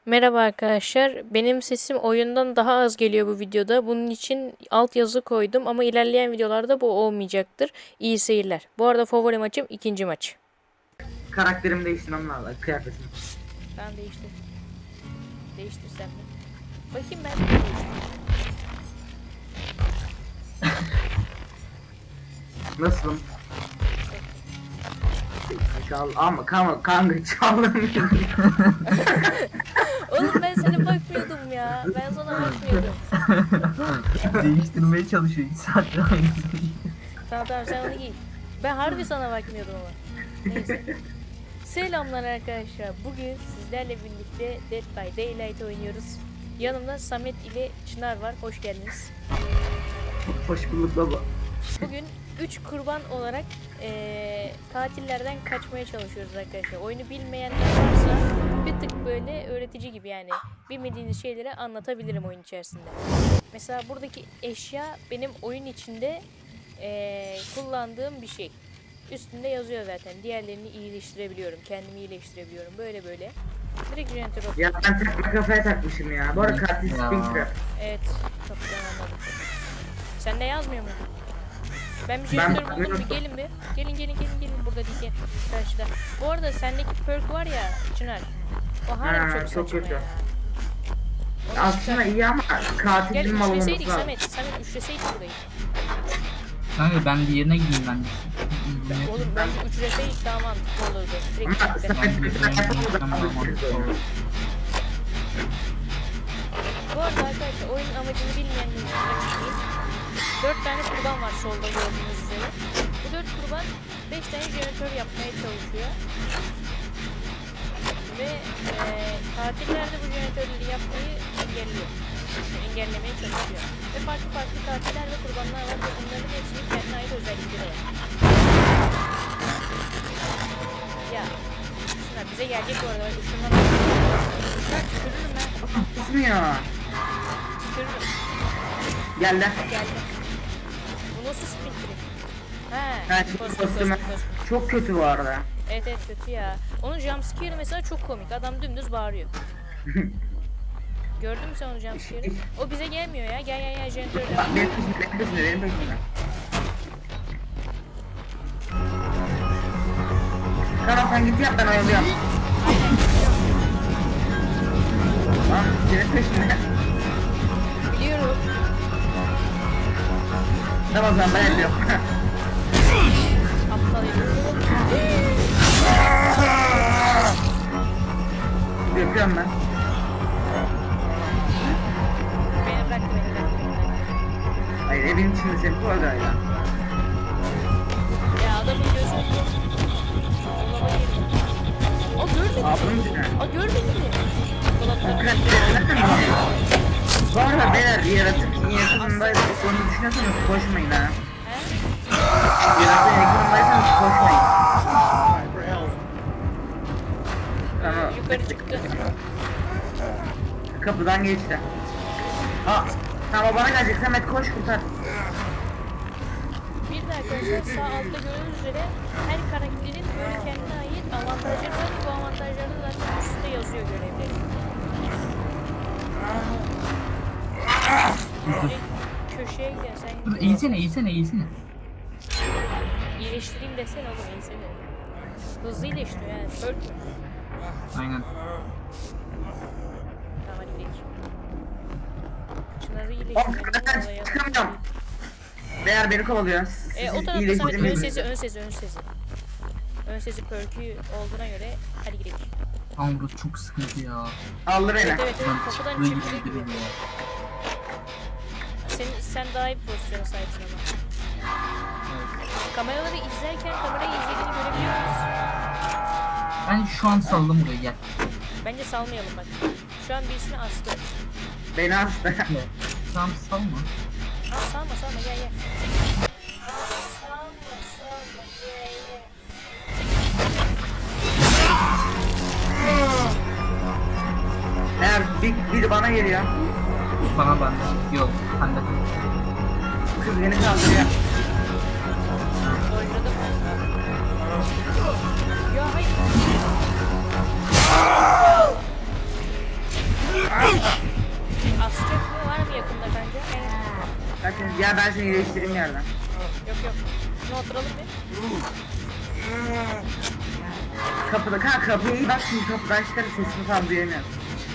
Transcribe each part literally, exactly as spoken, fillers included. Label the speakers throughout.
Speaker 1: Merhaba arkadaşlar. Benim sesim oyundan daha az geliyor bu videoda. Bunun için altyazı koydum ama ilerleyen videolarda bu olmayacaktır. İyi seyirler. Bu arada favori maçım ikinci maç.
Speaker 2: Karakterimi değiştirmem lazım. Kıyafetimi.
Speaker 1: Ben değiştir. Değiştirsem mi? Bakayım ben de değiştireyim.
Speaker 2: Nasılım? Çal ama kanka kanka çaldım.
Speaker 1: Oğlum ben sana bakmıyordum ya. Ben sana bakmıyordum.
Speaker 3: Değiştirmeye çalışıyor. İki saattir aynısını.
Speaker 1: Tamam tamam sen onu giy. Ben harbi sana bakmıyordum ama. Neyse. Selamlar arkadaşlar. Bugün sizlerle birlikte Dead by Daylight oynuyoruz. Yanımda Samet ile Çınar var. Hoş geldiniz.
Speaker 2: Hoş bulduk baba.
Speaker 1: Bugün üç kurban olarak eee, katillerden kaçmaya çalışıyoruz arkadaşlar. Oyunu bilmeyenler varsa bir tık böyle öğretici gibi, yani bilmediğiniz şeyleri anlatabilirim oyun içerisinde. Mesela buradaki eşya benim oyun içinde eee, kullandığım bir şey. Üstünde yazıyor zaten. Diğerlerini iyileştirebiliyorum. Kendimi iyileştirebiliyorum. Böyle böyle. Direkt jeneratör
Speaker 2: Ya ben takma kafaya takmışım ya. Bu arada katil
Speaker 3: Ya.
Speaker 2: Springtrap.
Speaker 1: Evet. Kapıdan anladım. Sen de yazmıyor mu? Ben bir
Speaker 2: Ben
Speaker 1: jeneratör buldum. Bir
Speaker 2: bakmıyorum.
Speaker 1: gelin bir. Gelin gelin gelin gelin. Burada değil, gel. Karşıda. Bu arada sendeki perk var ya Çınar. O harbi
Speaker 2: Ha,
Speaker 1: çok
Speaker 2: çok
Speaker 1: saçma
Speaker 2: kötü.
Speaker 1: ya. Onu
Speaker 2: Aslında
Speaker 1: çıkar.
Speaker 2: iyi ama
Speaker 1: Gel
Speaker 2: katilin mal olması
Speaker 1: üçleseydik
Speaker 2: lazım.
Speaker 1: Samet. Samet üçleseydik burayı.
Speaker 3: Kanka ben diğerine gideyim ben.
Speaker 1: Oğlum bence üçleseydik daha mantıklı olurdu. Direkt
Speaker 2: Ama
Speaker 1: tekte.
Speaker 2: Samet mesela yapamadı.
Speaker 3: Tamam, tamam.
Speaker 1: Bu arada arkadaşlar oyunun amacını bilmeyenler için açıklayayım. dört tane kurban var solda gördüğünüz üzere. Bu dört kurban beş tane jeneratör yapmaya çalışıyor. Ve e, katiller de bu jeneratörleri yapmayı engelliyor. Engellemeye çalışıyor. Ve farklı farklı katiller ve kurbanlar var ve onların hepsinin kendine ait özellikleri var. Ya şunlar bize gelecek bu arada. Şundan şunlar tükürürüm ben.
Speaker 2: Tutmuyor.
Speaker 1: Tükürürüm.
Speaker 2: Geldi.
Speaker 1: Geldi. Bu nasıl spin trick? He.
Speaker 2: Ha, şimdi
Speaker 1: kostüm,
Speaker 2: kostümü
Speaker 1: kostüm, kostüm.
Speaker 2: çok kötü bu arada.
Speaker 1: Evet evet kötü ya. Onun jumpscare'ı mesela çok komik. Adam dümdüz bağırıyor. Gördün mü sen onu jumpscare'ı? O bize gelmiyor ya. Gel gel gel jeneratörle.
Speaker 2: Bak benim peşimde, benim peşimde, benim peşimde. Tamam sen git yap ben oyalıyorum. Tamam senin peşinde.
Speaker 1: Biliyorum.
Speaker 2: Tamam o zaman ben yapıyorum.
Speaker 1: Aptal herif.
Speaker 2: Yapıyorum ben.
Speaker 1: Beni bıraktı beni bıraktı beni bıraktı.
Speaker 2: Hayır evin içinde seni kovalayla.
Speaker 1: Ya adamın gözü. Dolaba girdi. Aa görmedi
Speaker 2: Ablanın
Speaker 1: mi?
Speaker 2: içine.
Speaker 1: Aa görmedi mi? Dolapta.
Speaker 2: Bu arada beyler yaratık yakınındaysa onu düşünüyorsanız koşmayın ha.
Speaker 1: He?
Speaker 2: Yaratığın yakınındaysanız koşmayın. Tamam.
Speaker 1: Yukarı çıktı.
Speaker 2: Kapıdan geçti. Aa, tamam o bana gelecek. Samet koş kurtar.
Speaker 1: Bir de arkadaşlar sağ altta gördüğünüz üzere her karakterin böyle kendine ait avantajları var. Bu avantajları da zaten üstte yazıyor görevleri. Direkt köşeye gidersen
Speaker 3: Dur eğilsene eğilsene eğilsene.
Speaker 1: iyileştireyim desene oğlum, iyisene. Hızlı iyileştiriyor yani. Perk mü?
Speaker 3: Aynen.
Speaker 1: Tamam hadi gidelim. Çınarı
Speaker 2: Oğlum ben
Speaker 1: iyileştirelim.
Speaker 2: çıkamıyorum. Beyler beni kovalıyor. Siz
Speaker 1: E, o tarafta
Speaker 2: iyileştirin
Speaker 1: Samet ön
Speaker 2: beni.
Speaker 1: sesi ön sesi ön sesi. Ön sesi perk'ü olduğuna göre hadi gidelim.
Speaker 3: Ama burası çok sıkıntı ya.
Speaker 2: Aldı beni.
Speaker 1: Evet evet evet
Speaker 3: Lan
Speaker 1: kapıdan
Speaker 3: çıktığı gibi
Speaker 1: çıktığı gibi.
Speaker 3: gidelim ya.
Speaker 1: Sen, sen daha iyi bir pozisyona sahipsin ama.
Speaker 3: Evet.
Speaker 1: Kameraları izlerken kamerayı izlediğini görebiliyor muyuz?
Speaker 3: Ben şu an saldım buraya gel.
Speaker 1: Bence salmayalım bak. Şu an birisini astı.
Speaker 2: Beni astı.
Speaker 3: Gel. Tamam salma.
Speaker 1: Aa, salma salma gel gel.
Speaker 2: Eğer bir, biri bana geliyor.
Speaker 3: Bana bende. Yok. Bende.
Speaker 2: Kız beni kaldırıyor.
Speaker 1: Doyurdum. Ya hayır.
Speaker 2: Ya ben seni iyileştireyim yerden.
Speaker 1: Yok yok. Ne oturalım bir.
Speaker 2: Kapıda kanka kapıya iyi bak şimdi kapıdan çıkarıp sesini tam duyamıyorum.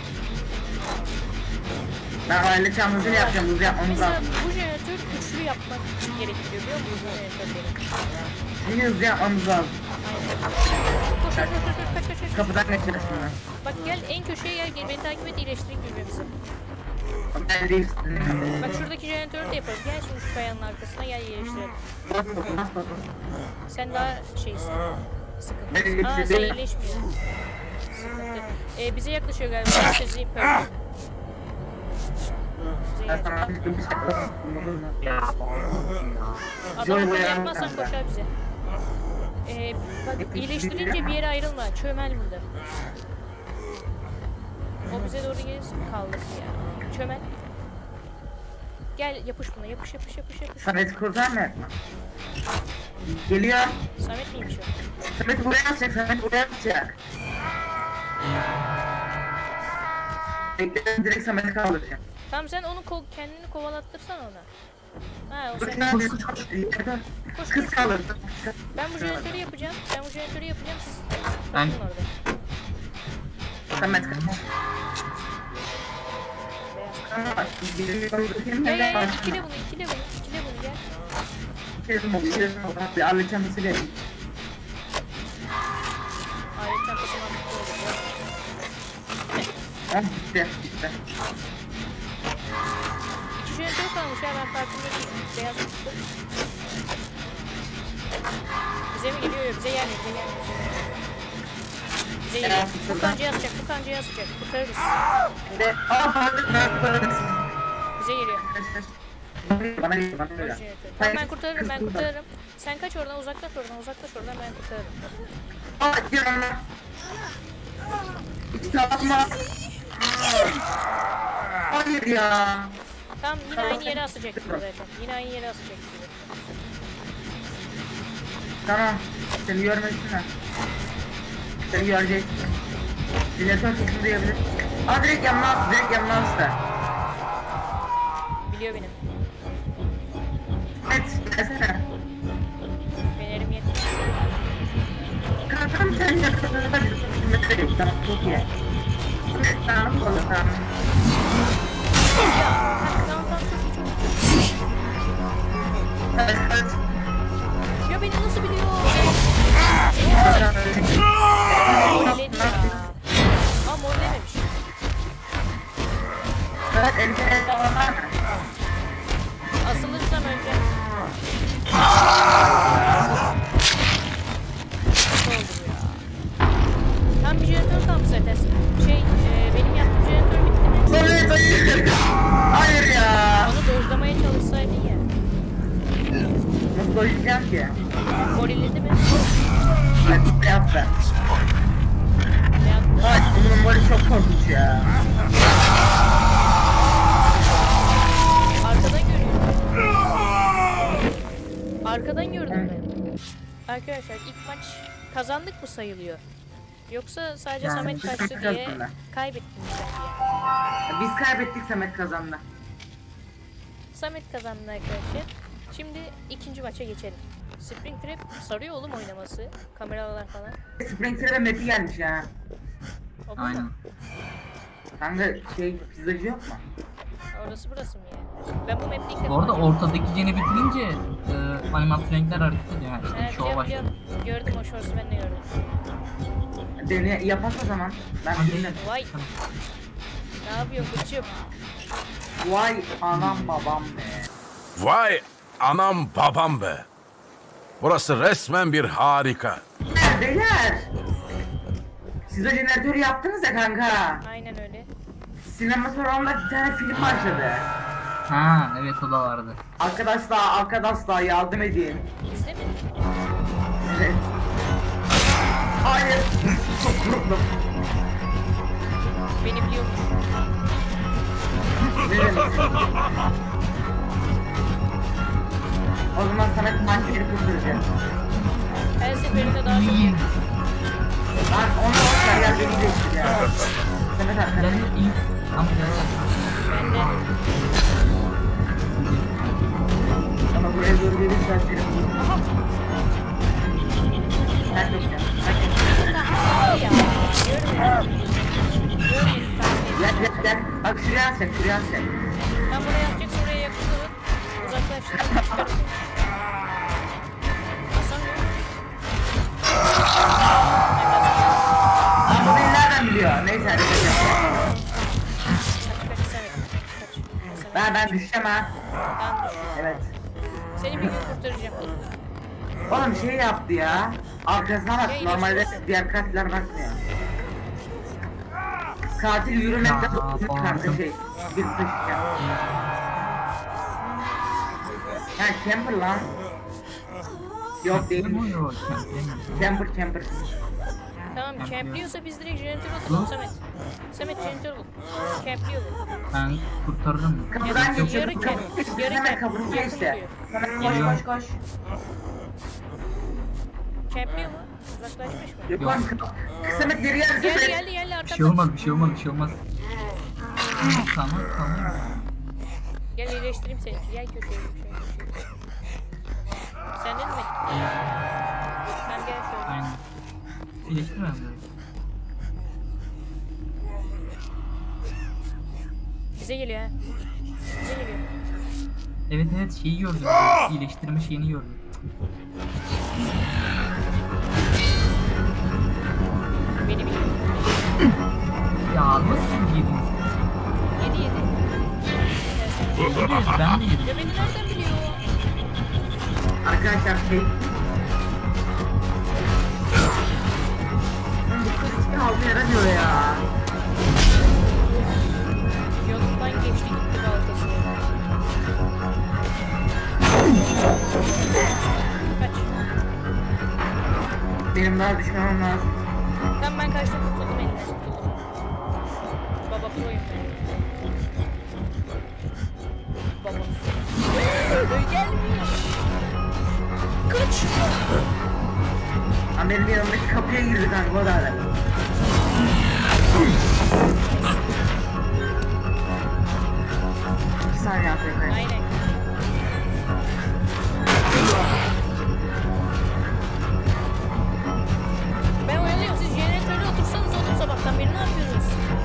Speaker 2: Ben aile çamızını yapacağım, hızlı yapmamız
Speaker 1: Mesela
Speaker 2: lazım.
Speaker 1: bu jeneratör güçlü yapmak gerekiyor biliyor musun bu jeneratörleri?
Speaker 2: Şimdi hızlı yapmamız lazım.
Speaker 1: Aynen. Koş koş koş koş kaç kaç kaç.
Speaker 2: Kapıdan geçeriz şimdi.
Speaker 1: Bak gel en köşeye gel, gel beni takip et iyileştireyim birbirimizi.
Speaker 2: Ben değil.
Speaker 1: Bak şuradaki jeneratörü de yaparız. Gel şimdi şu kayanın arkasına gel iyileştirelim.
Speaker 2: Bas bas bas bas.
Speaker 1: Sen daha şeysin. Sıkıntı.
Speaker 2: Evet,
Speaker 1: Aa
Speaker 2: evet.
Speaker 1: sen iyileşmiyor. Sıkıntı. Ee, bize yaklaşıyor galiba. Sesi pardon. Bize
Speaker 2: Ben
Speaker 1: gelecek.
Speaker 2: sana bir şey yapayım.
Speaker 1: Adam akıllı yapmazsan koşar bize. Ee, bak iyileştirince bir yere ayrılma. Çömel burada. O bize doğru gelirse kaldık ya. Çömel. Gel yapış buna yapış yapış yapış yapış.
Speaker 2: Samet kurtar mı? Geliyor.
Speaker 1: Samet miymiş o?
Speaker 2: Samet buraya atacak, Samet buraya atacak. Bekle direkt Samet'i kaldıracağım.
Speaker 1: Tamam sen onu ko kendini kovalattırsan ona. Ha o
Speaker 2: Koş
Speaker 1: sen.
Speaker 2: koş koş koş.
Speaker 1: Koş,
Speaker 2: Kız
Speaker 1: koş.
Speaker 2: kalır.
Speaker 1: Ben bu jeneratörü yapacağım. Ben bu jeneratörü yapacağım. Siz
Speaker 3: Ben-
Speaker 1: bakın orada.
Speaker 2: Samet kalır.
Speaker 1: Beyaz. Gel gel gel ikile bunu ikile bunu ikile bunu gel.
Speaker 2: Kesin oldu, kesin oldu. Bir alet çantasıyla yapayım.
Speaker 1: Alet çantası mantıklı olur.
Speaker 2: Ah bitti, bitti.
Speaker 1: İki jeneratör kalmış ya ben farkında değilim. Beyaz çıktı. Bize mi geliyor? Yok bize gelmiyor bize gelmiyor. Bize geliyor. Bu kancaya asacak bu kancaya asacak. Kurtarırız.
Speaker 2: Şimdi, aa pardon, ben pardon.
Speaker 1: Bize geliyor.
Speaker 2: Bana gel, bana
Speaker 1: Öl
Speaker 2: gel.
Speaker 1: jeneratörü. Tamam ben kurtarırım ben kurtarırım. Sen kaç oradan uzaklaş oradan uzaklaş oradan ben kurtarırım.
Speaker 2: Aa gel. Hiç yapma. Hayır ya.
Speaker 1: Tamam yine aynı yere asacak gibi zaten. Yine aynı yere asacak gibi.
Speaker 2: Tamam. Seni görmesinler. Seni görecek. Dinletör sesini duyabilir. Aa direkt yanına astı, direkt yanına astı.
Speaker 1: Biliyor benim.
Speaker 2: Evet, gelsene.
Speaker 1: Fenerim yetmiş.
Speaker 2: Kankam sen yakınında bir metre yok. Tamam, çok iyi. Tamam, olur, tamam.
Speaker 1: Ya tamam tamam çok iyi çok iyi.
Speaker 2: Evet, evet.
Speaker 1: Ya beni nasıl biliyor?
Speaker 2: Tamam,
Speaker 1: Molledi ya. Aa mollememiş.
Speaker 2: evet, elinde el falan var mı?
Speaker 1: Asılırsam önce. Nasıl oldu bu ya? Tam bir jeneratör kalmış zaten. Şey e, benim yaptığım jeneratör bitti mi?
Speaker 2: Hayır, hayır. Hayır ya.
Speaker 1: Onu dojlamaya çalışsaydın ya.
Speaker 2: Nasıl doyacağım ki?
Speaker 1: Gorilledi mi?
Speaker 2: Evet, ne yaptı?
Speaker 1: Ne yaptı?
Speaker 2: Ay, bunun mori çok korkunç ya.
Speaker 1: Arkadan görüyorum. Arkadan gördüm ben. Arkadaşlar ilk maç kazandık mı sayılıyor? Yoksa sadece
Speaker 2: Yani
Speaker 1: Samet
Speaker 2: biz
Speaker 1: kaçtı
Speaker 2: Samet
Speaker 1: diye
Speaker 2: kazandı.
Speaker 1: kaybettim diye.
Speaker 2: Biz kaybettik, Samet kazandı.
Speaker 1: Samet kazandı arkadaşlar. Şimdi ikinci maça geçelim. Springtrap sarıyor oğlum oynaması. Kameralar falan.
Speaker 2: Springfield'e map'i gelmiş ya.
Speaker 1: O bu
Speaker 3: Aynen.
Speaker 1: mu?
Speaker 2: Kanka şey, pizzacı yok mu?
Speaker 1: Orası burası mı yani? Ben bu map'te ilk defa
Speaker 3: Bu arada
Speaker 1: oynuyorum.
Speaker 3: ortadaki jeni bitirince e, animatronikler hareket ediyor. Yani işte
Speaker 1: Evet,
Speaker 3: şova
Speaker 1: biliyorum,
Speaker 3: başladı.
Speaker 1: biliyorum. Gördüm o shorts'u ben de gördüm.
Speaker 2: Dene yapak o zaman. Ben
Speaker 3: Hadi.
Speaker 2: bilmiyorum.
Speaker 1: Vay. Ne yapıyorsun bıçım?
Speaker 2: Vay anam babam be.
Speaker 4: Vay anam babam be. Burası resmen bir harika.
Speaker 2: Beyler, beyler. Siz o jeneratörü yaptınız ya kanka.
Speaker 1: Aynen öyle.
Speaker 2: Sinema salonunda bir tane film başladı.
Speaker 3: Ha evet o da vardı.
Speaker 2: Arkadaşlar, arkadaşlar yardım edin.
Speaker 1: Bizde mi?
Speaker 2: Evet. Hayır. Çok korktum.
Speaker 1: Beni biliyormuş.
Speaker 2: Ne demek? O zaman sana bir maçları kurtaracağım.
Speaker 1: Her seferinde daha çok
Speaker 3: İyi.
Speaker 2: Lan onu olsa ya beni değiştir ya. Samet
Speaker 3: Gel
Speaker 2: arkadaş.
Speaker 3: iyi. Ama gel.
Speaker 1: bende.
Speaker 2: Ama buraya doğru gelirsen seni bulurum. Sen de gel.
Speaker 1: Tamam ya. Görmedim. Görmedim tahmin
Speaker 2: Gel gel gel. Bak şuraya sen, şuraya sen.
Speaker 1: Ben buraya yapacaksın, oraya yakın durun. Uzaklaştırın. Çıkarın. Hasan yok.
Speaker 2: Ama beni nereden biliyor? Neyse hadi kaçalım.
Speaker 1: Kaç kaç sen et. Kaç.
Speaker 2: Ben, ben düşeceğim ha.
Speaker 1: Ben düştüm.
Speaker 2: Evet.
Speaker 1: Seni bir gün kurtaracağım.
Speaker 2: Oğlum şey yaptı ya. Arkasına bak.
Speaker 1: Ya,
Speaker 2: Normalde
Speaker 1: iyileştirsin.
Speaker 2: diğer katiller bakmıyor. Katil yürümekte
Speaker 3: Ya,
Speaker 2: tutmuş kanka
Speaker 3: bağırdım.
Speaker 2: şey. Bir taşıyacağım. Ya camper lan. Yok değil.
Speaker 3: Bu yok. Kemple mi?
Speaker 2: Camper camper.
Speaker 1: Tamam,
Speaker 3: Yapıyor.
Speaker 1: campliyorsa biz direkt jeneratör atalım Samet. Samet jeneratör bul. Campliyor bu.
Speaker 3: Ben kurtarırım.
Speaker 2: Kapıdan
Speaker 1: Yarı-
Speaker 2: geçiyor.
Speaker 1: yarı
Speaker 2: Kapı-
Speaker 1: camp,
Speaker 2: kapı-
Speaker 1: yarı
Speaker 2: Hemen
Speaker 1: camp.
Speaker 2: kapının
Speaker 1: Yakın
Speaker 2: geçti.
Speaker 1: duruyor.
Speaker 2: Hemen koş
Speaker 3: Geliyor.
Speaker 2: koş koş.
Speaker 1: Campliyor mu? Uzaklaşmış mı?
Speaker 2: Yok
Speaker 3: Yok.
Speaker 2: oğlum kapı. Kısamet geri geldi.
Speaker 1: Geldi
Speaker 2: Kısamet.
Speaker 1: geldi geldi
Speaker 3: Bir şey
Speaker 1: arkamdan.
Speaker 3: olmaz, bir şey olmaz, bir şey olmaz. Tamam, tamam.
Speaker 1: Gel iyileştireyim seni. Gel köşeye köşeye köşeye. Senden mi? Tamam gel şöyle.
Speaker 3: Aynen. İyileştirme mi?
Speaker 1: Bize geliyor ha. Bize geliyor.
Speaker 3: Evet evet şeyi gördüm. İyileştirme şeyini gördüm.
Speaker 1: Beni biliyor.
Speaker 3: Ya nasıl yedin?
Speaker 1: Yedi yedi.
Speaker 3: Evet, ben de yedim.
Speaker 1: Ya beni nereden biliyor?
Speaker 2: Arkadaşlar şey. Lan bu kız hiçbir halde yaramıyor ya.
Speaker 1: Yolundan geçti gitti baltası. Kaç.
Speaker 2: Benim daha düşmemem lazım.
Speaker 1: Tamam ben kaçtım, kurtuldum elinden. Kurtuldum. Baba proyum ben. Baba. Öyle gelmiş. Kaç.
Speaker 2: Lan benim yanımdaki kapıya girdi kanka o da hala. İki saniye atıyor kanka.
Speaker 1: Aynen. Ben uyanıyorum, siz jeneratörde otursanız oğlum sabahtan beri ne yapıyorsunuz?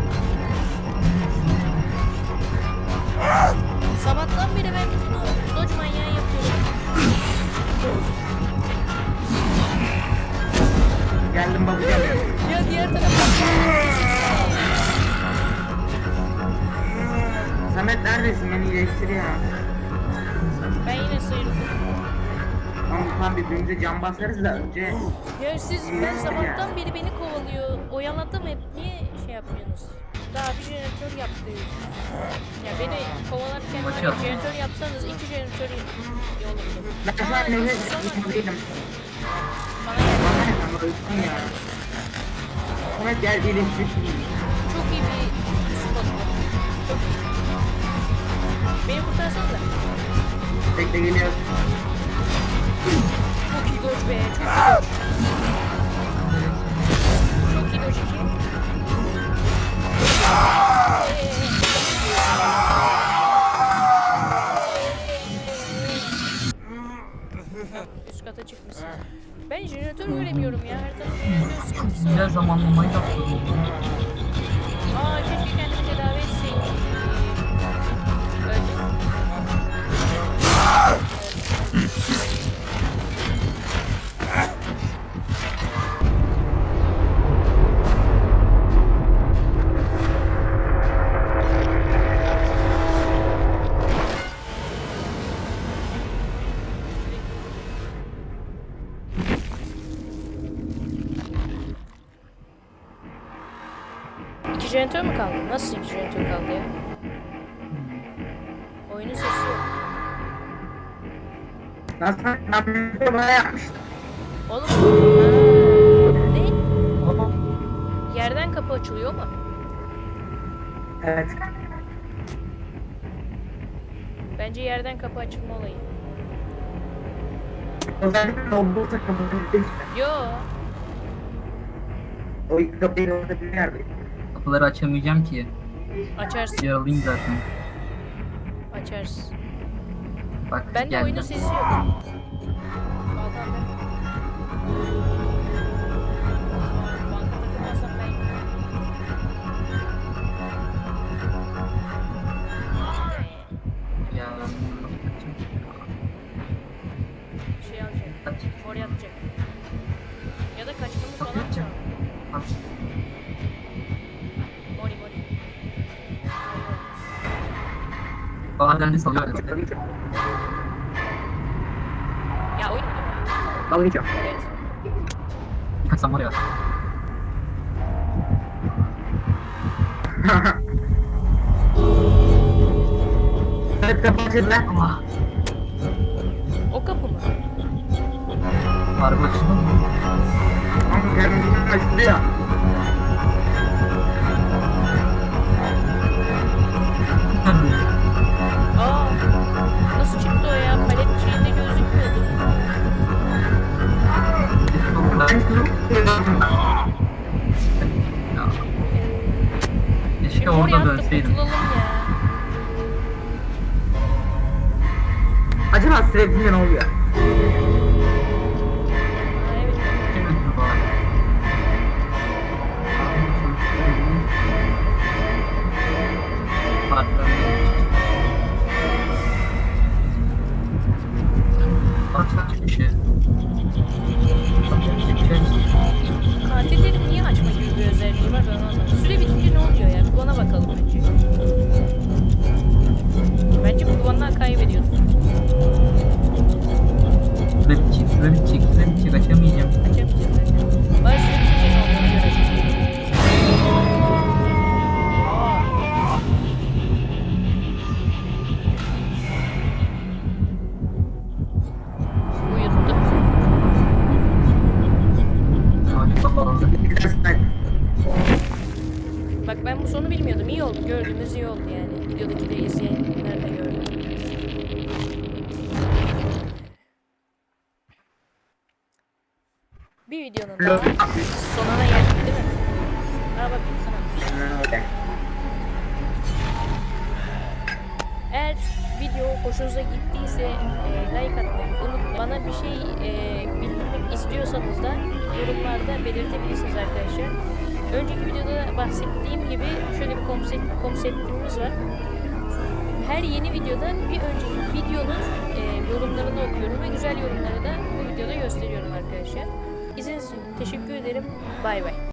Speaker 1: Sabahtan beri ben bunu dodge manyağı yapıyorum.
Speaker 2: Geldim bakacağım.
Speaker 1: Ya diğer tarafa.
Speaker 2: Samet neredesin? Beni iyileştir ya.
Speaker 1: Ben yine sıyrıldım.
Speaker 2: Tamam tam birbirimize can basarız da önce.
Speaker 1: Ya siz, ben sabahtan beri beni kovalıyor. Oyaladım hep. Niye şey yapmıyorsunuz? Daha bir jeneratör yaptı. Ya beni kovalarken
Speaker 3: Maç
Speaker 1: hani
Speaker 3: yaptı.
Speaker 1: jeneratör yapsanız iki jeneratör yolumdu.
Speaker 2: Ben şu an nefes değilim.
Speaker 1: Bana geldi.
Speaker 2: Bana ne kanka ölsün ya. Samet gel iyileştir.
Speaker 1: Çok iyi bir spot bu. Çok iyi. Beni kurtarsanız da.
Speaker 2: Bekle geliyor.
Speaker 1: Çok iyi dodge be. Çok iyi dodge. Çok iyi dodge iki. Üst kata çıkmışsın. Ben jeneratör göremiyorum ya. Her tarafta jeneratör sıkıntısı var.
Speaker 3: Güzel zamanlamayı yaptım.
Speaker 1: Aa keşke kendimi tedavi etseydim. Öldüm. İki jeneratör mü kaldı? Nasıl iki jeneratör kaldı ya? Oyunun sesi yok.
Speaker 2: Nasıl ben bunu bana yapmıştım.
Speaker 1: Oğlum. Ha, ne?
Speaker 3: Ama
Speaker 1: Yerden kapı açılıyor mu?
Speaker 2: Evet.
Speaker 1: Bence yerden kapı açılma olayı.
Speaker 2: Özellikle olduğu takımın işte.
Speaker 1: Yo.
Speaker 2: O ilk kapıyı orada bir yerde.
Speaker 3: kapıları açamayacağım ki.
Speaker 1: Açarsın.
Speaker 3: Yaralıyım zaten.
Speaker 1: Açarsın.
Speaker 3: Bak
Speaker 1: Ben de
Speaker 3: geldi.
Speaker 1: oyunun sesi yok. Balkan ben. Banka takılmazsam ben.
Speaker 3: Ya.
Speaker 1: Şey alacak.
Speaker 3: Kaç.
Speaker 1: Oraya atacak. Ya da kaçmamı falan mı?
Speaker 3: Kaçacağım. Kaç.
Speaker 1: Mori mori.
Speaker 3: Bazen de salıyor.
Speaker 2: Dalga geçiyor.
Speaker 1: Ya oyun oynuyor ya.
Speaker 2: Dalga geçiyor.
Speaker 1: Evet.
Speaker 3: Birkaç sam var ya.
Speaker 2: Evet kapatın lan.
Speaker 3: Allah.
Speaker 1: O kapı mı?
Speaker 3: Araba açıldı mı?
Speaker 2: Ama kendini açtı ya.
Speaker 1: Aa. Nasıl çıktı o ya? Palet şeyinde gözükmüyordu.
Speaker 2: Ben kızım.
Speaker 3: Ya. Keşke
Speaker 1: Şimdi oraya
Speaker 3: orada
Speaker 1: attık
Speaker 3: dönseydim.
Speaker 1: kurtulalım ya.
Speaker 2: Acaba sürekli ne oluyor?
Speaker 1: Aa, evet.
Speaker 3: Evet, baba. Başka bir şey.
Speaker 1: Katillerin niye açma gibi bir özelliği var ben anlamadım. Süre bitince ne oluyor ya? Bir buna bakalım önce. Bence kurbanlar kaybediyor.
Speaker 3: Süre bitecek, süre bitecek, süre bitecek. Açamayacağım.
Speaker 1: Açamayacağız zaten. Bana süre bitince ne olduğunu görelim. Uyuttu.
Speaker 3: Harika bağlı.
Speaker 1: Bak ben bu sonu bilmiyordum. İyi oldu. Gördüğümüz iyi oldu yani. Videodaki de izleyenler de gördü. Bir videonun daha sonuna geldik değil mi? Aa bakayım sana. Eğer video hoşunuza gittiyse e, like atmayı unutmayın. Bana bir şey e, bildirmek istiyorsanız da yorumlarda belirtebilirsiniz arkadaşlar. Önceki videoda bahsettiğim gibi şöyle bir konsept, konseptimiz var. Her yeni videoda bir önceki videonun e, yorumlarını okuyorum ve güzel yorumları da bu videoda gösteriyorum arkadaşlar. İzlediğiniz için teşekkür ederim. Bay bay.